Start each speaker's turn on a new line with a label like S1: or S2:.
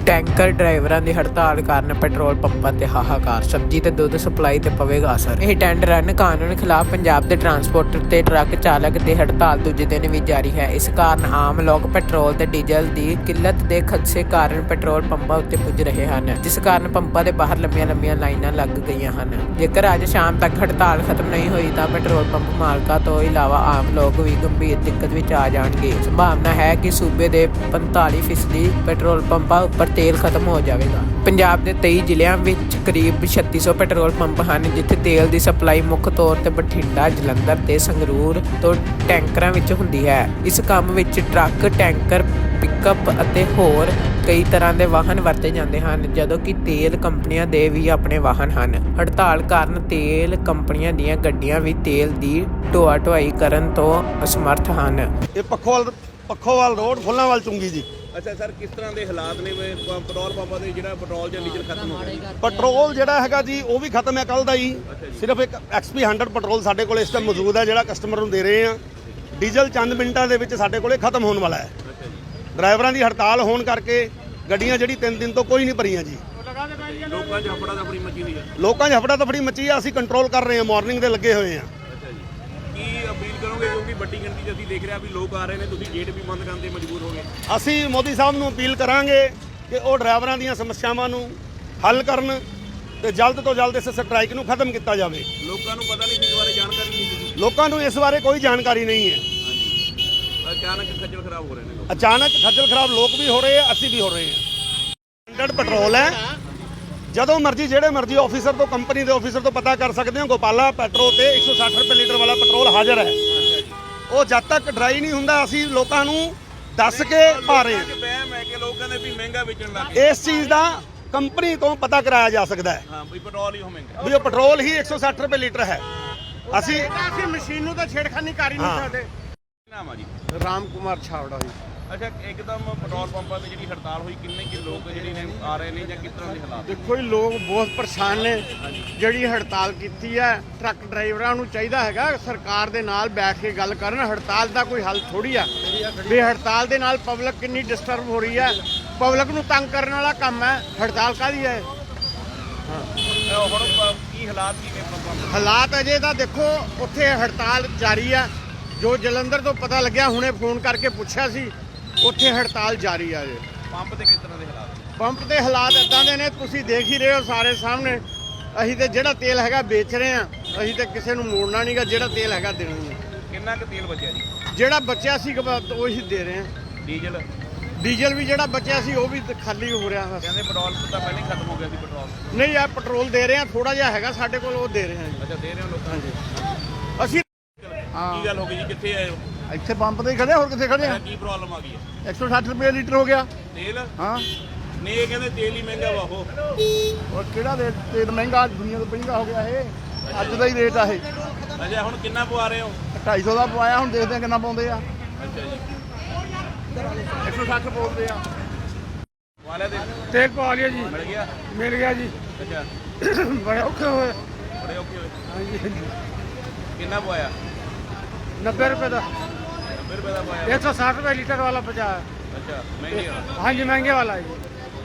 S1: Tanker ਡਰਾਈਵਰਾਂ ਦੀ ਹੜਤਾਲ ਕਾਰਨ ਪੈਟਰੋਲ ਪੰਪਾਂ ਤੇ ਹਾਹਾਕਾਰ। ਸਬਜ਼ੀ ਤੇ ਦੁੱਧ ਸਪਲਾਈ ਤੇ ਪਵੇਗਾ ਅਸਰ। ਇਹ ਟੈਂਡਰ ਰਨ ਕਾਨੂੰਨ ਖਿਲਾਫ ਪੰਜਾਬ ਦੇ ਟਰਾਂਸਪੋਰਟਰ ਤੇ ਟਰੱਕ ਚਾਲਕ ਦੀ ਹੜਤਾਲ ਦੂਜੇ ਦਿਨ ਵੀ ਜਾਰੀ ਹੈ। ਇਸ ਕਾਰਨ ਆਮ ਲੋਕ ਪੈਟਰੋਲ ਤੇ ਡੀਜ਼ਲ ਦੀ ਕਿੱਲਤ ਦੇ ਖਦਸ਼ੇ ਕਾਰਨ ਪੈਟਰੋਲ ਪੰਪਾਂ ਉੱਤੇ ਪੁੱਜ ਰਹੇ ਹਨ, ਜਿਸ ਕਾਰਨ ਪੰਪਾਂ ਦੇ ਬਾਹਰ ਲੰਬੀਆਂ ਲਾਈਨਾਂ ਲੱਗ ਗਈਆਂ ਹਨ। ਜੇਕਰ ਅੱਜ ਸ਼ਾਮ ਤੱਕ ਹੜਤਾਲ ਖਤਮ ਨਹੀਂ ਹੋਈ ਤਾਂ ਪੈਟਰੋਲ ਪੰਪ ਮਾਲਕਾਂ ਤੋਂ ਇਲਾਵਾ ਆਮ ਲੋਕ ਵੀ ਗੰਭੀਰ ਦਿੱਕਤ ਵਿੱਚ ਆ ਜਾਣਗੇ। ਸੰਭਾਵਨਾ ਹੈ ਕਿ ਸੂਬੇ ਦੇ 45% ਪੈਟਰੋਲ ਪੰਪਾਂ ਉੱਪਰ ਤੇਲ ਖਤਮ ਹੋ ਜਾਵੇਗਾ। ਪੰਜਾਬ ਦੇ 23 ਜ਼ਿਲ੍ਹਿਆਂ ਵਿੱਚ ਕਰੀਬ 3600 ਪੈਟਰੋਲ ਪੰਪ ਹਨ, ਜਿੱਥੇ ਤੇਲ ਦੀ ਸਪਲਾਈ ਮੁੱਖ ਤੌਰ ਤੇ ਬਠਿੰਡਾ, ਜਲੰਧਰ ਤੇ ਸੰਗਰੂਰ ਤੋਂ ਟੈਂਕਰਾਂ ਵਿੱਚ ਹੁੰਦੀ ਹੈ। ਇਸ ਕੰਮ ਵਿੱਚ ਟਰੱਕ, ਟੈਂਕਰ, ਪਿਕਅਪ ਅਤੇ ਹੋਰ ਕਈ ਤਰ੍ਹਾਂ ਦੇ ਵਾਹਨ ਵਰਤੇ ਜਾਂਦੇ ਹਨ, ਜਦੋਂ ਕਿ ਤੇਲ ਕੰਪਨੀਆਂ ਦੇ ਵੀ ਆਪਣੇ ਵਾਹਨ ਹਨ। ਹੜਤਾਲ ਕਾਰਨ ਤੇਲ ਕੰਪਨੀਆਂ ਦੀਆਂ ਗੱਡੀਆਂ ਵੀ ਤੇਲ ਦੀ ਢੋਆ-ਢੁਆਈ ਕਰਨ ਤੋਂ ਅਸਮਰਥ ਹਨ।
S2: ਇਹ ਪੱਖੋਵਾਲ ਰੋਡ ਫੁੱਲਾਂਵਾਲ ਚੁੰਗੀ ਜੀ।
S3: ਅੱਛਾ ਸਰ, ਕਿਸ ਤਰ੍ਹਾਂ ਦੇ ਹਾਲਾਤ ਨੇ ਪੈਟਰੋਲ ਪੰਪਾਂ ਦੇ ਜਿਹੜਾ ਪੈਟਰੋਲ ਜਾਂ ਡੀਜ਼ਲ ਖਤਮ ਹੋ ਗਿਆ?
S2: ਪੈਟਰੋਲ ਜਿਹੜਾ ਹੈਗਾ ਜੀ ਉਹ ਵੀ ਖਤਮ ਹੈ ਕੱਲ ਦਾ ਹੀ। ਸਿਰਫ ਇੱਕ XP 100 ਪੈਟਰੋਲ ਸਾਡੇ ਕੋਲ ਇਸ ਟਾਈਮ ਮੌਜੂਦ ਹੈ, ਜਿਹੜਾ ਕਸਟਮਰ ਨੂੰ ਦੇ ਰਹੇ ਆ। ਡੀਜ਼ਲ ਚੰਦ ਮਿੰਟਾਂ ਦੇ ਵਿੱਚ ਸਾਡੇ ਕੋਲੇ ਖਤਮ ਹੋਣ ਵਾਲਾ ਹੈ। ਡਰਾਈਵਰਾਂ ਦੀ ਹੜਤਾਲ ਹੋਣ ਕਰਕੇ ਗੱਡੀਆਂ ਜਿਹੜੀ 3 ਦਿਨ ਤੋਂ ਕੋਈ ਨਹੀਂ ਭਰੀਆਂ ਜੀ।
S3: ਲੋਕਾਂ 'ਚ ਹਫੜਾ ਦਫੜੀ ਮੱਚੀ ਹੋਈ ਹੈ।
S2: ਲੋਕਾਂ 'ਚ ਹਫੜਾ ਦਫੜੀ ਮੱਚੀ ਆ। ਅਸੀਂ ਕੰਟਰੋਲ ਕਰ ਰਹੇ ਹਾਂ, ਮਾਰਨਿੰਗ ਦੇ ਲੱਗੇ ਹੋਏ ਆ।
S3: ਕੀ ਅਪੀਲ ਕਰੋਗੇ, ਕਿਉਂਕਿ ਵੱਡੀ ਗਿਣਤੀ 'ਚ ਅਸੀਂ ਦੇਖ ਰਹੇ ਹਾਂ ਵੀ ਲੋਕ ਆ ਰਹੇ ਨੇ, ਤੁਸੀਂ ਗੇਟ ਵੀ ਬੰਦ ਕਰਨ ਤੇ ਮਜਬੂਰ ਹੋ ਗਏ।
S2: ਅਸੀਂ ਮੋਦੀ ਸਾਹਿਬ ਨੂੰ ਅਪੀਲ ਕਰਾਂਗੇ ਕਿ ਉਹ ਡਰਾਈਵਰਾਂ ਦੀਆਂ ਸਮੱਸਿਆਵਾਂ ਨੂੰ ਹੱਲ ਕਰਨ ਤੇ ਜਲਦ ਤੋਂ ਜਲਦ ਇਸ ਸਟ੍ਰਾਈਕ ਨੂੰ ਖਤਮ ਕੀਤਾ ਜਾਵੇ।
S3: ਲੋਕਾਂ ਨੂੰ ਪਤਾ ਨਹੀਂ ਸੀ, ਇਸ ਬਾਰੇ ਜਾਣਕਾਰੀ ਨਹੀਂ ਸੀ।
S2: ਲੋਕਾਂ ਨੂੰ ਇਸ ਬਾਰੇ ਕੋਈ ਜਾਣਕਾਰੀ ਨਹੀਂ ਹੈ।
S3: ਅਚਾਨਕ ਖੱਜਲ ਖਰਾਬ ਹੋ ਰਹੇ ਨੇ ਲੋਕ।
S2: ਅਚਾਨਕ ਖੱਜਲ ਖਰਾਬ ਲੋਕ ਵੀ ਹੋ ਰਹੇ ਆ, ਅਸੀਂ ਵੀ ਹੋ ਰਹੇ ਹਾਂ। 100 ਪੈਟਰੋਲ ਹੈ। ਜਦੋਂ ਮਰਜ਼ੀ ਜਿਹੜੇ ਮਰਜ਼ੀ ਆਫੀਸਰ ਤੋਂ, ਕੰਪਨੀ ਦੇ ਆਫੀਸਰ ਤੋਂ ਪਤਾ ਕਰ ਸਕਦੇ ਹੋ। ਗੋਪਾਲਾ ਪੈਟਰੋਲ ਤੇ 160 ਰੁਪਏ ਲੀਟਰ ਵਾਲਾ ਪੈਟਰੋਲ ਹਾਜ਼ਰ ਹੈ। ਉਹ ਜਦ ਤੱਕ ਡਰਾਈ ਨਹੀਂ ਹੁੰਦਾ ਅਸੀਂ ਲੋਕਾਂ ਨੂੰ ਦੱਸ ਕੇ ਪਾ ਰਹੇ ਹਾਂ।
S3: ਵਹਿਮ ਹੈ ਕਿ ਲੋਕ ਕਹਿੰਦੇ ਵੀ ਮਹਿੰਗਾ ਵੇਚਣ ਲੱਗ ਗਏ।
S2: ਇਸ ਚੀਜ਼ ਦਾ ਕੰਪਨੀ ਤੋਂ ਪਤਾ ਕਰਾਇਆ ਜਾ ਸਕਦਾ ਹੈ।
S3: ਹਾਂ ਵੀ ਪੈਟਰੋਲ ਹੀ ਮਹਿੰਗਾ,
S2: ਵੀ ਉਹ ਪੈਟਰੋਲ ਹੀ 160 ਰੁਪਏ ਲੀਟਰ ਹੈ। ਅਸੀਂ
S4: ਮਸ਼ੀਨ ਨੂੰ ਤਾਂ ਛੇੜਖਾਨੀ ਕਰ ਹੀ ਨਹੀਂ ਸਕਦੇ।
S3: ਨਾਮ ਆ ਜੀ
S4: ਰਾਮ ਕੁਮਾਰ ਛਾਵੜਾ ਜੀ।
S3: ਅੱਛਾ, ਇੱਕਦਮ ਪੈਟਰੋਲ ਪੰਪਾਂ ਤੇ ਜਿਹੜੀ ਹੜਤਾਲ ਹੋਈ, ਕਿੰਨੇ ਕਿ ਲੋਕ ਜਿਹੜੇ ਨੇ ਆ ਰਹੇ ਨੇ ਜਾਂ ਕਿਸ ਤਰ੍ਹਾਂ ਦੇ ਹਾਲਾਤ?
S4: ਦੇਖੋ ਜੀ, ਲੋਕ ਬਹੁਤ ਪਰੇਸ਼ਾਨ ਨੇ। ਜਿਹੜੀ ਹੜਤਾਲ ਕੀਤੀ ਹੈ, ਟਰੱਕ ਡਰਾਈਵਰਾਂ ਨੂੰ ਚਾਹੀਦਾ ਹੈਗਾ ਸਰਕਾਰ ਦੇ ਨਾਲ ਬੈਠ ਕੇ ਗੱਲ ਕਰਨ। ਹੜਤਾਲ ਦਾ ਕੋਈ ਹੱਲ ਥੋੜੀ ਆ ਵੀ ਹੜਤਾਲ ਦੇ ਨਾਲ ਪਬਲਿਕ ਕਿੰਨੀ ਡਿਸਟਰਬ ਹੋ ਰਹੀ ਹੈ। ਪਬਲਿਕ ਨੂੰ ਤੰਗ ਕਰਨ ਵਾਲਾ ਕੰਮ ਹੈ। ਹੜਤਾਲ ਕਾਹਦੀ ਹੈ?
S3: ਹੁਣ ਕੀ ਹਾਲਾਤ ਕੀ ਨੇ ਪੰਪਾਂ ਦੇ?
S4: ਹਾਲਾਤ ਅਜੇ ਤਾਂ ਦੇਖੋ, ਉੱਥੇ ਹੜਤਾਲ ਜਾਰੀ ਹੈ। ਜੋ ਜਲੰਧਰ ਤੋਂ ਪਤਾ ਲੱਗਿਆ, ਹੁਣੇ ਫੋਨ ਕਰਕੇ ਪੁੱਛਿਆ ਸੀ, ਉੱਥੇ ਹੜਤਾਲ ਜਾਰੀ ਆ ਜੀ।
S3: ਪੰਪ ਤੇ ਕਿਸ ਤਰ੍ਹਾਂ ਦੇ ਹਾਲਾਤ?
S4: ਪੰਪ ਦੇ ਹਾਲਾਤ ਇਦਾਂ ਦੇ ਨੇ, ਤੁਸੀਂ ਦੇਖ ਹੀ ਰਹੇ ਹੋ ਸਾਰੇ ਸਾਹਮਣੇ। ਅਸੀਂ ਤੇ ਜਿਹੜਾ ਤੇਲ ਹੈਗਾ ਵੇਚ ਰਹੇ ਹਾਂ। ਅਸੀਂ ਤੇ ਕਿਸੇ ਨੂੰ ਮੋੜਨਾ ਨਹੀਂਗਾ, ਜਿਹੜਾ ਤੇਲ ਹੈਗਾ ਦੇਣਾ ਹੀ ਹੈ।
S3: ਕਿੰਨਾ ਕੁ ਤੇਲ ਬਚਿਆ ਜੀ?
S4: ਜਿਹੜਾ ਬਚਿਆ ਸੀ ਉਹੀ ਦੇ ਰਹੇ ਹਾਂ। ਡੀਜ਼ਲ ਵੀ ਜਿਹੜਾ ਬਚਿਆ ਸੀ ਉਹ ਵੀ ਖਾਲੀ ਹੋ ਰਿਹਾ ਹੈ।
S3: ਕਹਿੰਦੇ ਪੈਟਰੋਲ ਤਾਂ ਪਹਿਲਾਂ ਹੀ ਖਤਮ ਹੋ ਗਿਆ ਸੀ ਪੈਟਰੋਲ।
S4: ਨਹੀਂ, ਆ ਪੈਟਰੋਲ ਦੇ ਰਹੇ ਹਾਂ, ਥੋੜਾ ਜਿਹਾ ਹੈਗਾ ਸਾਡੇ ਕੋਲ, ਉਹ ਦੇ ਰਹੇ ਹਾਂ ਜੀ।
S3: ਅੱਛਾ, ਦੇ ਰਹੇ ਹੋ ਲੋਕਾਂ
S4: ਹਾਂਜੀ। ਅਸੀਂ
S3: ਕੀ ਗੱਲ ਹੋ ਗਈ ਜੀ, ਕਿੱਥੇ ਆਏ ਹੋ?
S4: ਇੱਥੇ ਪੰਪ ਤੇ ਹੀ ਖੜੇ, ਹੋਰ ਕਿੱਥੇ ਖੜੇ ਆ?
S3: ਕੀ ਪ੍ਰੋਬਲਮ ਆ ਗਈ ਹੈ?
S4: 160 ਰੁਪਏ ਲੀਟਰ ਹੋ ਗਿਆ
S3: ਤੇਲ?
S4: ਹਾਂ।
S3: ਨਹੀਂ, ਇਹ ਕਹਿੰਦੇ ਤੇਲ ਹੀ ਮਹਿੰਗਾ ਵਾ।
S4: ਔਰ ਕਿਹੜਾ ਰੇਟ ਤੇਲ ਮਹਿੰਗਾ? ਦੁਨੀਆ ਤੋਂ ਮਹਿੰਗਾ ਹੋ ਗਿਆ ਇਹ। ਅੱਜ ਦਾ ਹੀ ਰੇਟ ਆ ਇਹ।
S3: ਅੱਛਾ, ਹੁਣ ਕਿੰਨਾ ਪਵਾ ਰਹੇ ਹੋ?
S4: 250 ਦਾ ਪਵਾਇਆ, ਹੁਣ ਦੇਖਦੇ ਆ ਕਿੰਨਾ ਪਾਉਂਦੇ ਆ।
S3: ਅੱਛਾ ਜੀ,
S4: 160 ਪਾਉਂਦੇ ਆ।
S3: ਵਾਲੇ ਦੇ
S4: ਤੇਲ ਪਵਾ ਲਿਆ ਜੀ।
S3: ਮਿਲ ਗਿਆ
S4: ਜੀ।
S3: ਅੱਛਾ,
S4: ਬੜੇ ਔਖੇ ਹੋਏ।
S3: ਬੜੇ ਔਖੇ ਹੋਏ।
S4: ਹਾਂਜੀ।
S3: ਕਿੰਨਾ ਪਵਾਇਆ?
S4: 90 ਰੁਪਏ ਦਾ।
S3: 90 ਰੁਪਏ ਦਾ ਪਵਾਇਆ।
S4: 160 ਰੁਪਏ ਲੀटर वाला बचा है।
S3: ਅੱਛਾ, ਮਹਿੰਗੇ ਆ।
S4: हाँ जी, महंगे वाला है।